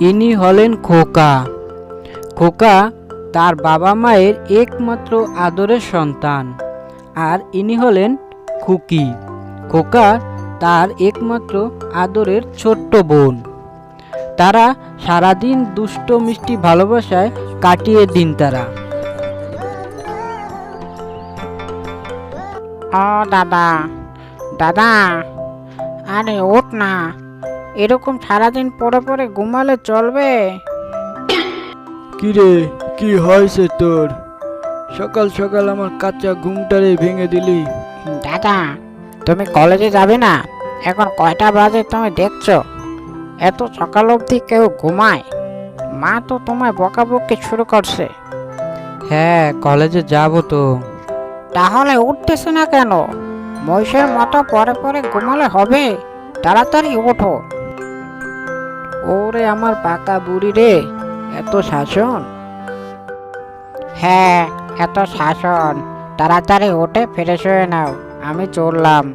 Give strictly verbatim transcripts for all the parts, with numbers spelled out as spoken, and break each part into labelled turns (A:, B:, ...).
A: ইনি হলেন খোকা। খোকা তার বাবা মায়ের একমাত্র আদরের সন্তান। আর ইনি হলেন খুকি। খোকা তার একমাত্র আদরের ছোট্ট বোন। তারা সারাদিন দুষ্ট মিষ্টি ভালোবাসায় কাটিয়ে দিন তারা।
B: ও দাদা, দাদা, আরে ওঠ না, এরকম সারাদিন পরে পরে ঘুমালে চলবে?
C: কিরে, কি হয়েছে তোর? সকাল সকাল আমার কাঁচা ঘুমটারে ভেঙে দিলি।
B: দাদা, তুমি কলেজে যাবে না? এখন কয়টা বাজে তুমি দেখছো? এত সকাল অবধি কেউ ঘুমায়? মা তো তোমায় বকাবকি শুরু করছে।
A: হ্যাঁ, কলেজে যাব তো।
B: তাহলে উঠতেছে না কেন? মহিষের মতো পরে পরে ঘুমালে হবে? তাড়াতাড়ি ওঠো।
A: ওরে আমার পাকা বুড়ি রে, এত শাসন!
B: হ্যাঁ, এত শাসন। তাড়াতাড়ি উঠে ফ্রেশ হয়ে নাও, আমি চললাম।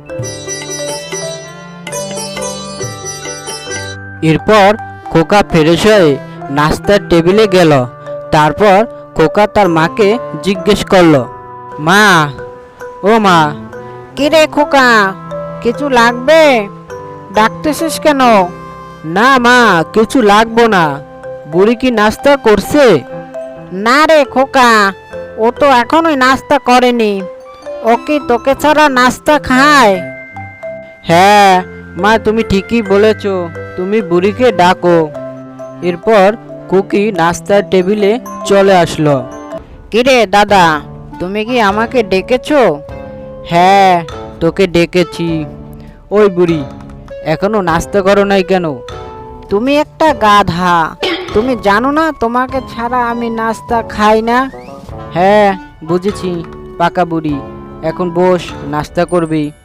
A: এরপর খোকা ফ্রেশ হয়ে নাস্তার টেবিলে গেল। তারপর খোকা তার মাকে জিজ্ঞেস করলো, মা, ও মা।
B: কিরে খোকা, কিছু লাগবে? ডাকতেছিস কেন?
A: না মা, কিছু লাগবো না। বুড়ি কি নাস্তা করছে?
B: না রে খোকা, ও তো এখনোই নাস্তা করেনি। ও কি তোকে ছাড়া নাস্তা খায়?
A: হ্যাঁ মা, তুমি ঠিকই বলেছ, তুমি বুড়িকে ডাকো। এরপর কুকি নাস্তার টেবিলে চলে আসলো।
B: কিরে দাদা, তুমি কি আমাকে ডেকেছো?
A: হ্যাঁ, তোকে ডেকেছি। ওই বুড়ি, এখনো নাস্তা করো নাই কেন?
B: তুমি একটা গাধা। তুমি জানো না তোমাকে ছাড়া আমি নাস্তা খাই না?
A: হ্যাঁ বুঝেছি, পাকা বুড়ি। এখন বস, নাস্তা করবি।